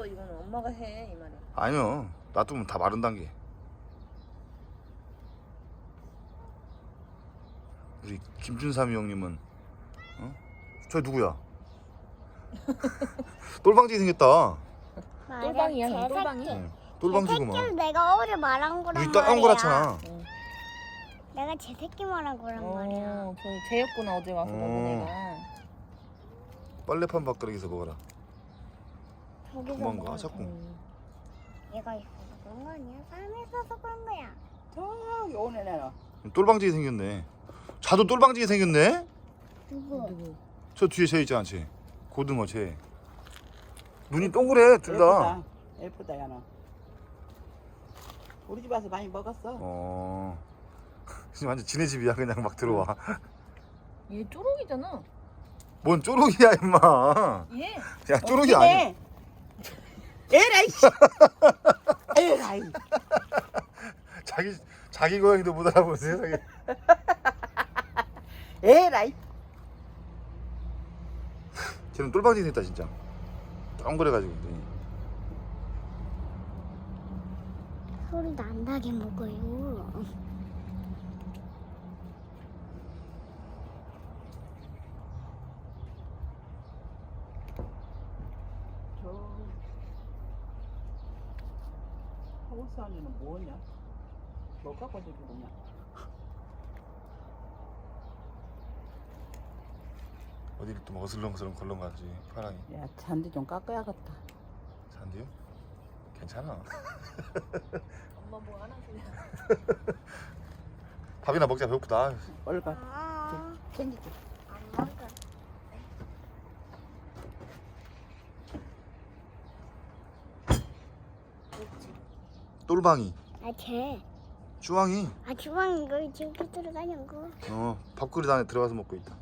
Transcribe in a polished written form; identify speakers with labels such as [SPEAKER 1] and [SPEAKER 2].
[SPEAKER 1] 없어. 이거는 엄마가 해 이 말이야.
[SPEAKER 2] 아니요. 놔두면 다 마른 단계. 우리 김준삼이 형님은 어? 저 누구야? 똘방지 생겼다.
[SPEAKER 1] 똘방이야, 형, 똘방이.
[SPEAKER 2] 응. 똘방지구만.
[SPEAKER 3] 새끼를 내가 어제 말한 거란
[SPEAKER 2] 우리
[SPEAKER 3] 말이야.
[SPEAKER 2] 따온 거라잖아.
[SPEAKER 3] 내가 제 새끼 말한 거란 말이야.
[SPEAKER 1] 저 쟤였구나 어제 와서 먹은 애가.
[SPEAKER 2] 빨래판 밥그릇에서 먹어라.
[SPEAKER 3] 저기서
[SPEAKER 2] 그만 가
[SPEAKER 3] 먹어도
[SPEAKER 2] 자꾸.
[SPEAKER 3] 돼. 얘가 있어서 그런 거 아니야? 사람이 있어서 그런 거야.
[SPEAKER 4] 저기 오네 내가.
[SPEAKER 2] 똘방지게 생겼네. 자도 똘방지게 생겼네.
[SPEAKER 3] 누구?
[SPEAKER 2] 저 뒤에 쟤 있잖아, 쟤. 고등어 쟤. 눈이 동그래 둘 다.
[SPEAKER 4] 예쁘다 야너. 우리 집 와서 많이 먹었어.
[SPEAKER 2] 지금 완전 지네 집이야. 그냥 막 들어와.
[SPEAKER 1] 얘 쪼록이잖아.
[SPEAKER 2] 뭔 쪼록이야 임마.
[SPEAKER 1] 얘.
[SPEAKER 2] 야 쪼록이 아니야.
[SPEAKER 4] 에라이. 에라이.
[SPEAKER 2] 자기 고양이도 못 알아보는 세상에.
[SPEAKER 4] 에라이.
[SPEAKER 2] 쟤는 똘방지 생겼다 진짜. 동그래가지고.
[SPEAKER 3] 소리 난다게 먹어요.
[SPEAKER 4] 저 하우스 안에는 뭐냐? 뭐 갖고 저기 뭐냐?
[SPEAKER 2] 어디를 또 어슬렁어슬렁 걸렁가지 파랑이.
[SPEAKER 4] 야 잔디 좀 깎아야겠다.
[SPEAKER 2] 잔디요? 괜찮아.
[SPEAKER 1] 엄마 뭐 하나 그냥.
[SPEAKER 2] 밥이나 먹자 배고프다.
[SPEAKER 4] 얼가
[SPEAKER 3] 아,
[SPEAKER 4] 챙기지.
[SPEAKER 3] 안 먹어.
[SPEAKER 2] 똘방이.
[SPEAKER 3] 쟤.
[SPEAKER 2] 주황이.
[SPEAKER 3] 주방 이거 지금 들어가냐고.
[SPEAKER 2] 밥그릇 안에 들어가서 먹고 있다.